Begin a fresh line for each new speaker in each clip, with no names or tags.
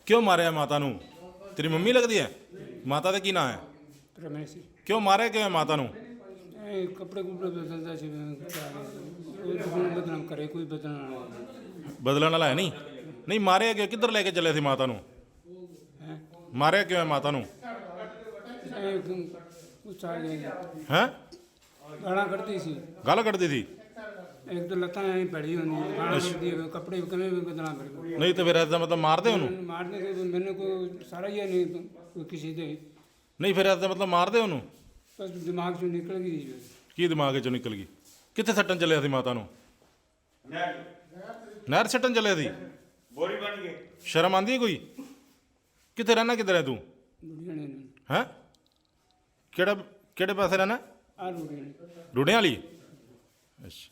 क्यों मारे माता नू? तेरी मम्मी लगती है? माता का की नाम है?
रमेश
क्यों मारे क्यों है माता नू?
कपड़े कुपड़े बदलता सी बदनाम करे कोई बदलना
बदलने वाला है नहीं? नहीं मारे क्यों? किधर लेके चले थे माता नू?
है
मारे क्यों है माता नू?
कुछ आ गया
हैं?
गाना करती सी
गल कटती थी?
एक तो लत्ता ऐ पड़ी होनी गाना करती है कपड़े कमे भी बदनाम कर
नहीं तो फिर ऐसा मतलब मारते उन्होंने?
मारने के मैंने को सारा ही नहीं कोई किसी दे
नहीं फिर ऐसा मतलब मारते उन्होंने?
बस दिमाग से निकल गई
की दिमाग चो निकल गई? कितने सट्टन चलिया थी माता नू? नहर सट्टन चलिया थी?
बोरी बन गए।
शर्म आंदी है कोई? कितने रहना किधर है तू?
बुढ़िया ने
हैं? केड़ा केड़े पासे रहना?
आ बुढ़िया ने
रूढ़ियां वाली? अच्छा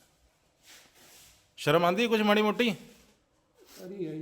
शर्म आंदी है कुछ माड़ी मोटी?
अरे है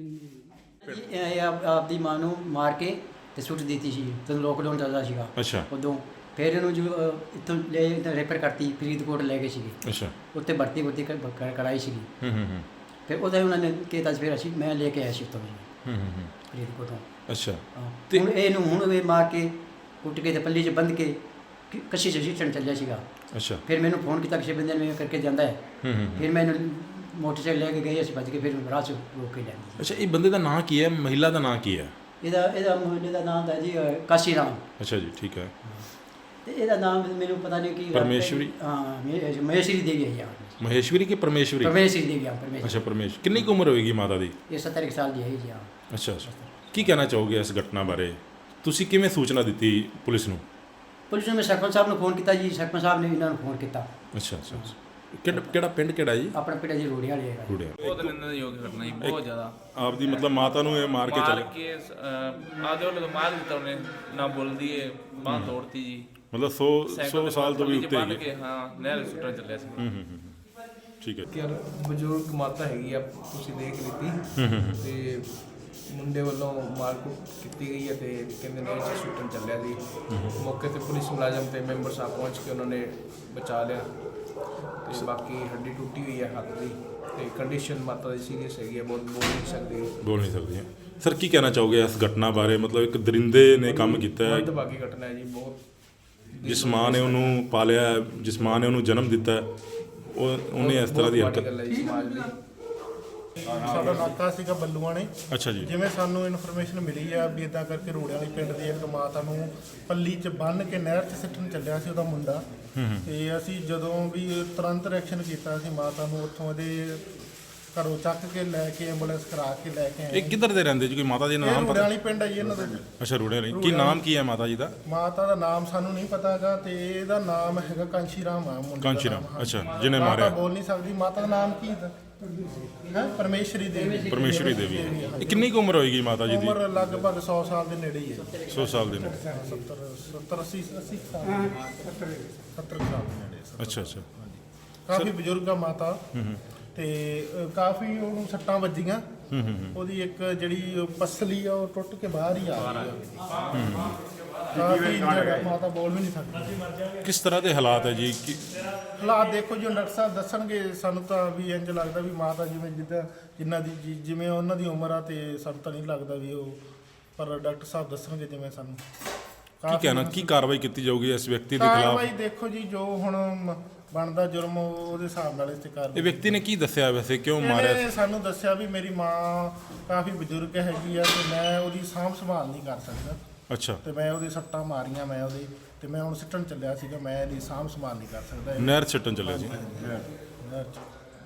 ਇਹ ਆਪਦੀ ਮਾਂ ਨੂੰ ਮਾਰ ਕੇ ਤੇ ਸੁੱਟ ਦਿੱਤੀ ਸੀ ਜਦੋਂ ਲੋਕਡਾਊਨ ਚੱਲਦਾ ਸੀਗਾ
ਅੱਛਾ
ਉਦੋਂ ਫਿਰ ਇਹਨੂੰ ਜੋ ਇੱਥੋਂ ਲੈ ਇੱਥੇ ਰੈਫਰ ਕਰਤੀ ਫਰੀਦਕੋਟ ਲੈ ਗਏ ਸੀਗੇ
ਅੱਛਾ
ਉੱਥੇ ਭਰਤੀ ਕਰਾਈ ਸੀਗੀ
ਹੂੰ
ਫਿਰ ਉਹਦਾ ਉਹਨਾਂ ਨੇ ਕਿਹਾ ਫਿਰ ਅਸੀਂ ਮੈਂ ਲੈ ਕੇ ਆਇਆ ਸੀ ਉੱਥੋਂ
ਹੂੰ
ਫਰੀਦਕੋਟੋਂ
ਅੱਛਾ
ਹਾਂ ਹੁਣ ਇਹਨੂੰ ਹੁਣ ਇਹ ਮਾਰ ਕੇ ਕੁੱਟ ਕੇ ਤੇ ਪੱਲੀ 'ਚ ਬੰਨ੍ਹ ਕੇ ਕੱਸੀ 'ਚ ਸਿੱਟਣ ਚੱਲਿਆ ਸੀਗਾ
ਅੱਛਾ
ਫਿਰ ਮੈਨੂੰ ਫੋਨ ਕੀਤਾ ਕਿਸੇ ਬੰਦੇ ਨੇ ਕਰਕੇ ਜਾਂਦਾ ਹੈ ਫਿਰ ਮੈਂ ਇਹਨੂੰ ਮੋਟਰਸਾਈਕਲ ਲੈ ਕੇ ਗਏ ਅਸੀਂ ਭੱਜ ਕੇ ਫਿਰ ਰਾਹ 'ਚ ਰੋਕ ਕੇ ਲਿਆਂਦੀ
ਅੱਛਾ ਇਹ ਬੰਦੇ ਦਾ ਨਾਂ ਕੀ ਹੈ? ਮਹਿਲਾ ਦਾ ਨਾਂ ਕੀ ਹੈ?
ਇਹਦਾ ਮੁੰਡੇ ਦਾ ਨਾਮ ਹੈ ਜੀ ਕਾਸ਼ੀ ਰਾਮ
ਅੱਛਾ ਜੀ ਠੀਕ ਹੈ।
ਤੇ ਇਹਦਾ ਨਾਮ ਮੈਨੂੰ ਪਤਾ ਨਹੀਂ ਕੀ
ਪਰਮੇਸ਼ਵਰੀ?
ਹਾਂ ਮਹੇਸ਼ਵਰੀ ਦੇਵੀ ਹੈ ਯਾਰ
ਮਹੇਸ਼ਵਰੀ ਕਿ ਪਰਮੇਸ਼ਵਰੀ?
ਪਰਮੇਸ਼ਵਰੀ ਦੇਵੀ ਹਾਂ ਪਰਮੇਸ਼ਵਰੀ
ਅੱਛਾ ਪਰਮੇਸ਼ ਕਿੰਨੀ ਕੁ ਉਮਰ ਹੋਏਗੀ ਮਾਤਾ ਦੀ?
ਇਹ 70 ਸਾਲ ਦੀ ਹੈ ਜੀ ਹਾਂ
ਅੱਛਾ ਅੱਛਾ ਕੀ ਕਹਿਣਾ ਚਾਹੋਗੇ ਇਸ ਘਟਨਾ ਬਾਰੇ? ਤੁਸੀਂ ਕਿਵੇਂ ਸੂਚਨਾ ਦਿੱਤੀ ਪੁਲਿਸ ਨੂੰ?
ਪੁਲਿਸ ਨੇ ਸਰਪੰਚ ਸਾਹਿਬ ਨੂੰ ਫੋਨ ਕੀਤਾ ਜੀ ਸਰਪੰਚ ਸਾਹਿਬ ਨੇ ਇਹਨਾਂ ਨੂੰ ਫੋਨ ਕੀਤਾ
ਅੱਛਾ ਅੱਛਾ ਕਿਹੜਾ ਪਿੰਡ ਕਿਹੜਾ ਜੀ?
ਆਪਣਾ ਪਿੰਡ ਜੀ ਰੋੜੀਆਂ ਵਾਲੇ ਹੈਗਾ
ਰੂੜਿਆ।
ਬਹੁਤ ਨਿੰਦਣਯੋਗ ਘਟਨਾ ਜੀ ਬਹੁਤ ਜ਼ਿਆਦਾ
ਆਪਦੀ ਮਤਲਬ ਮਾਤਾ ਨੂੰ ਇਹ ਮਾਰ ਕੇ
ਮਾਰ
ਚਲੇ
ਕੇ ਆਦੇ ਉਹਨੇ ਮਾਰ ਦਿੱਤਾ ਉਹਨੇ ਨਾ ਬੋਲਦੀ ਏ ਬਾਂਹ ਤੋੜਤੀ ਜੀ
ਮਤਲਬ 100 ਸਾਲ ਤੋਂ ਵੀ ਉੱਤੇ
ਬੰਨ
ਹੈਗੀ?
ਕੇ ਹਾਂ ਨਹਿਰ ਸੁੱਟਣ ਚੱਲਿਆ ਸੀ
ਠੀਕ ਹੈ।
ਕਿ ਬਜ਼ੁਰਗ ਮਾਤਾ ਹੈਗੀ ਆ ਤੁਸੀਂ ਦੇਖ ਲਿੱਤੀ ਤੇ ਮੁੰਡੇ ਵੱਲੋਂ ਮਾਰਕੁੱਟ ਕੀਤੀ ਗਈ ਹੈ ਤੇ ਕਹਿੰਦੇ ਨੇ ਇਹ ਸ਼ੂਟਨ ਚੱਲਿਆ ਸੀ ਮੌਕੇ ਤੇ ਪੁਲਿਸ ਮੁਲਾਜ਼ਮ ਤੇ ਮੈਂਬਰ ਸਾਹਿਬ ਪਹੁੰਚ ਕੇ ਉਹਨਾਂ ਨੇ ਬਚਾ ਲਿਆ ਤੇ ਬਾਕੀ ਹੱਡੀ ਟੁੱਟੀ ਹੋਈ ਹੈ ਹੱਥ ਦੀ ਤੇ ਕੰਡੀਸ਼ਨ ਮਾਤਾ ਦੀ ਸੀਰੀਅਸ ਹੈਗੀ ਹੈ ਬਹੁਤ ਬੋਲ ਨਹੀਂ ਸਕਦੀ
ਬੋਲ ਨਹੀਂ ਸਕਦੀ ਸਰ ਕੀ ਕਹਿਣਾ ਚਾਹੋਗੇ ਇਸ ਘਟਨਾ ਬਾਰੇ? ਮਤਲਬ ਇੱਕ ਦਰਿੰਦੇ ਨੇ ਕੰਮ ਕੀਤਾ ਹੈ
ਮੰਦਭਾਗੀ ਘਟਨਾ ਹੈ ਜੀ ਬਹੁਤ
ਜਿਸ ਮਾਂ ਨੇ ਉਹਨੂੰ ਪਾਲਿਆ ਹੈ, ਜਿਸ ਮਾਂ ਨੇ ਉਹਨੂੰ ਜਨਮ ਦਿੱਤਾ ਹੈ, ਉਹਨੇ ਇਸ ਤਰ੍ਹਾਂ ਦੀ
ਬਹੁਤ
ਹਰਕਤ।
ਮਾੜੀ ਗੱਲ ਹੈ ਜੀ ਸਮਾਜ ਲਈ
ਸਾਡਾ ਨਾਕਾ ਸੀਗਾ ਬੱਲੂਆਂ ਨੇ
ਅੱਛਾ ਜੀ
ਜਿਵੇਂ ਸਾਨੂੰ ਇਨਫੋਰਮੇਸ਼ਨ ਮਿਲੀ ਆ ਵੀ ਇਦਾਂ ਕਰਕੇ ਰੋੜਿਆਂ ਵਾਲੀ ਪਿੰਡ ਦੀ ਇੱਕ ਮਾਤਾ ਨੂੰ ਪੱਲੀ 'ਚ ਬੰਨ੍ਹ ਕੇ ਨਹਿਰ 'ਚ ਸਿੱਟਣ ਚੱਲਿਆ ਸੀ ਉਹਦਾ ਮੁੰਡਾ ਤੇ ਅਸੀਂ ਜਦੋਂ ਵੀ ਤੁਰੰਤ ਰਿਐਕਸ਼ਨ ਕੀਤਾ ਸੀ ਮਾਤਾ ਨੂੰ ਉੱਥੋਂ ਉਹਦੇ ਘਰੋਂ ਚੱਕ ਕੇ ਲੈ ਕੇ ਐਂਬੂਲੈਂਸ ਕਰਾ ਕੇ ਲੈ ਕੇ ਆਏ
ਇਹ ਕਿੱਧਰ ਦੇ ਰਹਿੰਦੇ ਜੀ? ਕੋਈ ਮਾਤਾ ਜੀ ਦਾ
ਇਹ
ਨਾਮ
ਰੋੜਿਆਂ
ਪਤਾ?
ਵਾਲੀ ਪਿੰਡ ਹੈ ਜੀ ਇਹਨਾਂ ਦਾ
ਅੱਛਾ ਰੂੜਿਆਂ ਵਾਲੀ। ਕੀ ਨਾਮ ਕੀ ਹੈ ਮਾਤਾ ਜੀ ਦਾ?
ਮਾਤਾ ਦਾ ਨਾਮ ਸਾਨੂੰ ਨਹੀਂ ਪਤਾ ਹੈਗਾ ਤੇ ਇਹਦਾ ਨਾਮ ਹੈਗਾ ਕਾਂਸ਼ੀ ਰਾਮ ਆ ਮੁੰਡੇ ਦਾ
ਕਾਂਸ਼ੀ ਰਾਮ,
ਨਾਮ, ਹਾਂ।
ਅੱਛਾ, ਜਿਹਨੇ
ਮਾਤਾ
ਮਾਰਿਆ।
ਬੋਲ ਨਹੀਂ ਸਕਦੀ ਮਾਤਾ ਦਾ ਨਾਮ ਕੀ ਹੈ? ਪਰਮੇਸ਼ਰੀ ਦੇਵੀ
ਪਰਮੇਸ਼ਵਰੀ ਦੇਵੀ ਹੈ। ਇਹ ਕਿੰਨੀ ਕੁ ਉਮਰ ਹੋਏਗੀ ਮਾਤਾ ਜੀ ਦੀ?
ਉਮਰ ਲਗਭਗ 100 ਸਾਲ ਦੇ ਨੇੜੇ ਹੀ ਹੈ
100 ਸਾਲ ਦੇ ਨੇ।
70 80 ਸਾਲ 70 ਸਾਲ ਦੇ ਨੇੜੇ ਸਰ।
ਅੱਛਾ ਅੱਛਾ
ਕਾਫੀ ਬਜ਼ੁਰਗ ਆ ਮਾਤਾ ਤੇ ਕਾਫੀ ਉਹਨੂੰ ਸੱਟਾਂ ਵੱਜੀਆਂ ਉਹਦੀ ਇੱਕ ਜਿਹੜੀ ਪਸਲੀ ਆ ਉਹ ਟੁੱਟ ਕੇ ਬਾਹਰ ਹੀ ਆ ਗਈ ਕਾਫੀ ਜਿਹੜਾ ਮਾਤਾ ਬੋਲ ਵੀ ਨਹੀਂ ਸਕਦੀ।
ਕਿਸ ਤਰ੍ਹਾਂ ਦੇ ਹਾਲਾਤ ਹੈ ਜੀ?
ਹਾਲਾਤ ਦੇਖੋ ਜੀ ਡਾਕਟਰ ਸਾਹਿਬ ਦੱਸਣਗੇ ਸਾਨੂੰ ਤਾਂ ਵੀ ਇੰਜ ਲੱਗਦਾ ਵੀ ਮਾਤਾ ਜਿਵੇਂ ਜਿਨ੍ਹਾਂ ਦੀ ਜਿਵੇਂ ਉਹਨਾਂ ਦੀ ਉਮਰ ਆ ਤੇ ਸਾਨੂੰ ਤਾਂ ਨਹੀਂ ਲੱਗਦਾ ਵੀ ਉਹ ਪਰ ਡਾਕਟਰ ਸਾਹਿਬ ਦੱਸਣਗੇ ਜਿਵੇਂ ਸਾਨੂੰ
ਕੀ ਕਹਿਣਾ ਕੀ ਕਾਰਵਾਈ ਕੀਤੀ ਜਾਊਗੀ ਇਸ ਵਿਅਕਤੀ ਦੇ ਖਿਲਾਫ?
ਕਾਰਵਾਈ ਦੇਖੋ ਜੀ ਜੋ ਹੁਣ ਬਣਦਾ ਜੁਰਮ ਉਹਦੇ ਹਿਸਾਬ ਨਾਲ ਇਸ ਤੇ ਕਰ
ਇਹ ਵਿਅਕਤੀ ਨੇ ਕੀ ਦੱਸਿਆ ਵੈਸੇ ਕਿਉਂ ਮਾਰਿਆ?
ਇਹਨੇ ਸਾਨੂੰ ਦੱਸਿਆ ਵੀ ਮੇਰੀ ਮਾਂ ਕਾਫੀ ਬਜ਼ੁਰਗ ਹੈਗੀ ਆ ਤੇ ਮੈਂ ਉਹਦੀ ਸਾਂਭ ਸੰਭਾਲ ਨਹੀਂ ਕਰ ਸਕਦਾ
ਅੱਛਾ
ਤੇ ਮੈਂ ਉਹਦੇ ਸੱਟਾਂ ਮਾਰੀਆਂ ਮੈਂ ਉਹਦੇ ਤੇ ਮੈਂ ਹੁਣ ਸਿੱਟਣ ਚੱਲਿਆ ਸੀਗਾ ਮੈਂ ਇਹਦੀ ਸਾਂਭ ਸੰਭਾਲ ਨਹੀਂ ਕਰ ਸਕਦਾ
ਨਹਿਰ ਛੱਟਣ ਚੱਲਿਆ ਸੀ।
ਨਹਿਰ 'ਚ।